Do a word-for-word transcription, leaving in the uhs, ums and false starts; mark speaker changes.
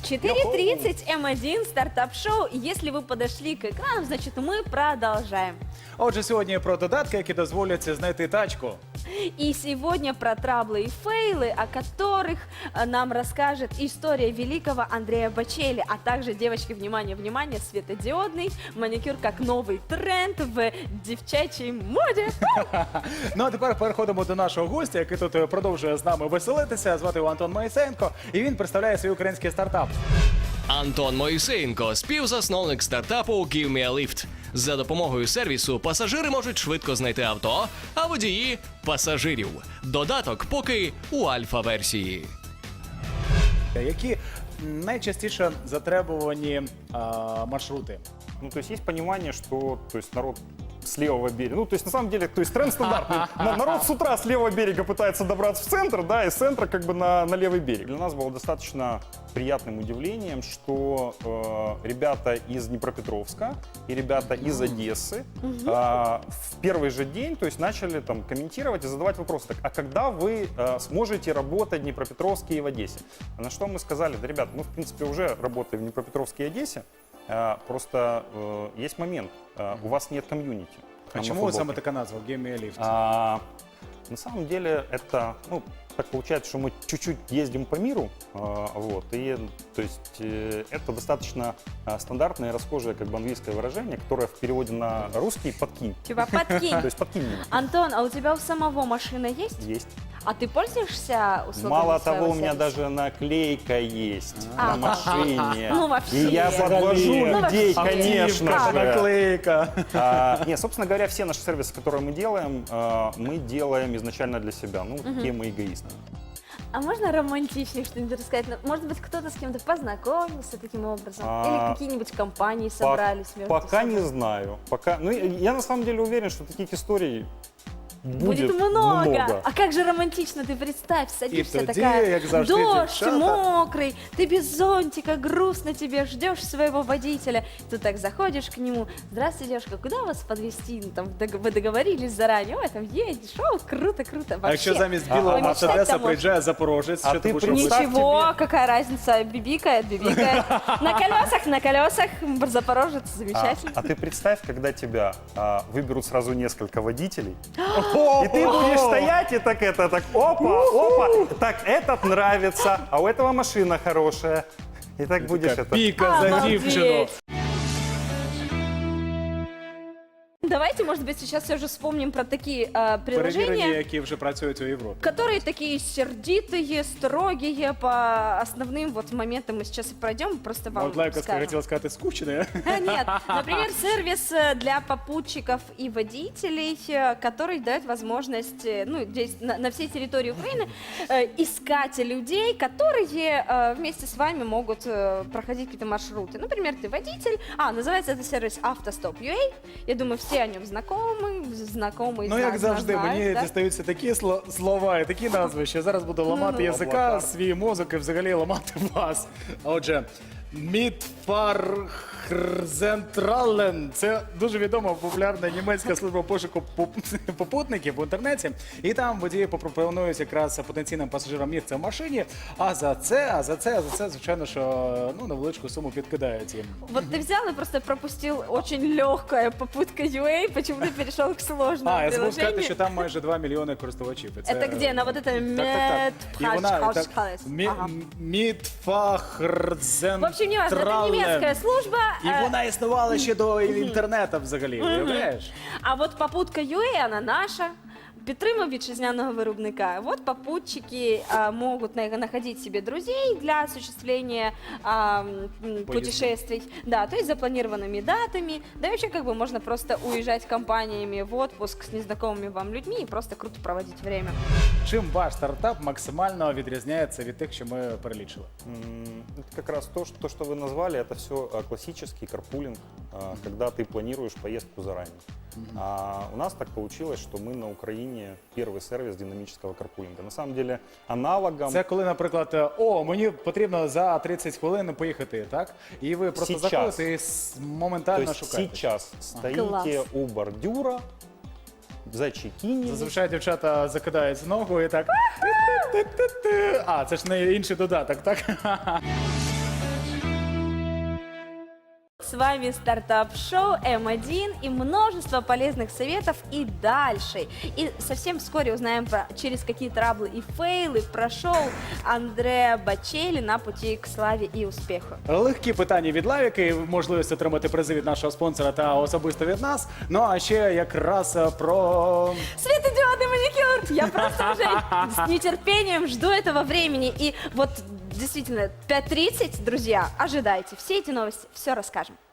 Speaker 1: четыре тридцать М один, стартап-шоу. Если вы подошли к экрану, значит, мы продолжаем.
Speaker 2: Отже, сьогодні про додатки, які дозволять знайти тачку.
Speaker 1: И сегодня про траблы и фейлы, о которых э, нам расскажет история великого Андрея Бочелли, а также, девочки, внимание, внимание, светодиодный маникюр как новый тренд в девчачьей моде.
Speaker 2: Ну а тепер переходимо до нашого гостя, який тут продовжує з нами веселитися. Звати його Антон Моїсеєнко, і він представляє свій український стартап.
Speaker 3: Антон Моїсеєнко – співзасновник стартапу Give Me a Lift. За допомогою сервісу пасажири можуть швидко знайти авто, а водії – пасажирів. Додаток поки у альфа-версії.
Speaker 2: Які найчастіше затребувані а, маршрути?
Speaker 4: Ну, то есть есть понимание, что то есть народ с левого берега, ну, то есть на самом деле, то есть тренд стандартный. На- Народ с утра с левого берега пытается добраться в центр, да, и с центра как бы на, на левый берег. Для нас было достаточно приятным удивлением, что э, ребята из Днепропетровска и ребята из Одессы э, в первый же день, то есть начали там комментировать и задавать вопросы. Так, а когда вы э, сможете работать в Днепропетровске и в Одессе? На что мы сказали, да, ребят, мы в принципе уже работаем в Днепропетровске и Одессе. Э, Просто э, есть момент, э, у вас нет комьюнити.
Speaker 2: А
Speaker 4: там на
Speaker 2: чому
Speaker 4: футболке.
Speaker 2: саме така назва Give Me a Lift?
Speaker 4: А, на самом деле это, ну, так получается, что мы чуть-чуть ездим по миру, а, вот, и, то есть, э, это достаточно а, стандартное, расхожее, как бы, английское выражение, которое в переводе на русский «подкинь».
Speaker 1: Типа подкинь.
Speaker 4: То есть «подкинь меня».
Speaker 1: Антон, а у тебя у самого машина есть?
Speaker 4: Есть.
Speaker 1: А ты пользуешься услугами
Speaker 4: Мало
Speaker 1: своего
Speaker 4: того, у меня
Speaker 1: сервиса?
Speaker 4: даже наклейка есть
Speaker 1: А.
Speaker 4: на машине.
Speaker 1: Ну, вообще.
Speaker 4: И я подвожу
Speaker 1: Ну,
Speaker 4: людей,
Speaker 1: вообще.
Speaker 4: конечно
Speaker 1: Как?
Speaker 4: же.
Speaker 2: Наклейка.
Speaker 4: А, нет, собственно говоря, все наши сервисы, которые мы делаем, а, мы делаем изначально для себя. Ну, такие мы эгоисты.
Speaker 1: А можно романтичнее что-нибудь рассказать? Ну, может быть, кто-то с кем-то познакомился таким образом?
Speaker 4: А,
Speaker 1: Или какие-нибудь компании собрались между
Speaker 4: Пока
Speaker 1: собой?
Speaker 4: не знаю. Пока, ну, я, я на самом деле уверен, что таких историй будет,
Speaker 1: Будет много.
Speaker 4: много.
Speaker 1: А как же романтично, ты представь, садишься
Speaker 2: И тоді,
Speaker 1: такая,
Speaker 2: як завжди,
Speaker 1: дождь,
Speaker 2: дівчата.
Speaker 1: мокрый, ты без зонтика, грустно тебе, ждешь своего водителя. Ты так заходишь к нему, здравствуйте, девушка, куда вас подвезти? Ну, там, дог- вы договорились заранее, ой, там едешь, о, круто, круто.
Speaker 2: А
Speaker 1: Вообще.
Speaker 2: якщо замість білого
Speaker 4: А, а
Speaker 2: Мерседеса
Speaker 1: мечтать-то
Speaker 2: приїжджає запорожець,
Speaker 4: А
Speaker 2: що
Speaker 4: ти
Speaker 2: ти будеш
Speaker 4: представ
Speaker 2: робити?
Speaker 1: Ничего,
Speaker 4: тебе.
Speaker 1: какая разница, бибикает, бибикает. На колесах, на колесах, Запорожец,
Speaker 4: А,
Speaker 1: замечательно.
Speaker 4: а ты представь, когда тебя а, выберут сразу несколько водителей, и ты будешь стоять и так это, так опа, опа, так этот нравится, а у этого машина хорошая. И так будешь
Speaker 2: Така
Speaker 4: это.
Speaker 2: піка за
Speaker 1: Обалдеть.
Speaker 2: дівчину.
Speaker 1: Давайте, может быть, сейчас все же вспомним про такие э,
Speaker 2: Перевірені,
Speaker 1: приложения,
Speaker 2: які вже працюють у Європі.
Speaker 1: которые такие сердитые, строгие по основным вот моментам. Мы сейчас и пройдем, просто вам
Speaker 2: От Лайковська
Speaker 1: скажем.
Speaker 2: хотіла сказати скучне.
Speaker 1: А, Нет, например, сервис э, для попутчиков и водителей, э, который дает возможность, э, ну, здесь на, на всей территории Украины э, искать людей, которые э, вместе с вами могут э, проходить какие-то маршруты. Например, ты водитель, а, называется это сервис Автостоп.ua. Я думаю, все о нем знакомы, знакомы из
Speaker 2: Ну, як
Speaker 1: нас
Speaker 2: завжди,
Speaker 1: знают,
Speaker 2: мені
Speaker 1: да?
Speaker 2: дістаються такі сло- слова і такі назви, що зараз буду ламати
Speaker 1: Ну-ну.
Speaker 2: язика,
Speaker 4: Облакар.
Speaker 2: свій мозок і взагалі ламати вас. А Отже, Мідфархрзентрален – це дуже відома популярна німецька служба пошуку поп- попутників в інтернеті. І там водії пропонують якраз потенційним пасажирам місце в машині, а за це, а за це, а за це, звичайно, що ну, невеличку суму підкидають їм.
Speaker 1: Вот ты взял и просто пропустил очень легкая попутка ю ей, почему ты перешел к сложному
Speaker 2: А, я забув сказати,
Speaker 1: приложению.
Speaker 2: що там майже два мільйони користувачів. І
Speaker 1: Це где? На вот это
Speaker 2: Так, так, так. І вона
Speaker 1: Медпхаш-
Speaker 2: так,
Speaker 1: Хас-
Speaker 2: Мі-
Speaker 1: ага.
Speaker 2: Мідфахрзентрален.
Speaker 1: В общем, не важно, это немецкая служба.
Speaker 2: І
Speaker 1: э,
Speaker 2: вона існувала ще до інтернету взагалі, уявляєш?
Speaker 1: А вот попутка ю ей, она наша. Підтримує вітчизняного виробника. Вот попутчики а, могут на- находить себе друзей для осуществления а, м, путешествий. Да, то есть запланированными датами. Да и вообще как бы можно просто уезжать компаниями в отпуск с незнакомыми вам людьми и просто круто проводить время.
Speaker 2: Чим ваш стартап максимально відрізняється від тих, що ми перелічили?
Speaker 4: М, Это как раз то, что, то, что вы назвали, это все классический карпулинг, а, когда ты планируешь поездку заранее. А у нас так получилось, что мы на Украине первый сервис динамического карпулинга. На самом деле аналогом
Speaker 2: Це коли, наприклад, о, мені потрібно за тридцять хвилин поїхати, так? І ви просто
Speaker 4: Сейчас.
Speaker 2: заходите і с-
Speaker 4: то
Speaker 2: моментально
Speaker 4: есть
Speaker 2: шукаєте.
Speaker 4: сейчас стоите
Speaker 1: Класс.
Speaker 4: у бордюра, зачекинились.
Speaker 2: Зазвичай дівчата закидають з ногу і так. А, це ж не інший додаток, так?
Speaker 1: С вами стартап-шоу эм один и множество полезных советов и дальше. И совсем вскоре узнаем, про, через какие траблы и фейлы прошел Андреа Бачелі на пути к славі і успіху.
Speaker 2: Легкі питання від Лавіки, можливість отримати призи від нашого спонсора та особисто від нас. Ну а ще якраз про...
Speaker 1: Светодиодный маникюр! Я просто уже с нетерпением жду этого времени. И вот действительно, пять тридцать, друзья, ожидайте. Все эти новости, все расскажем.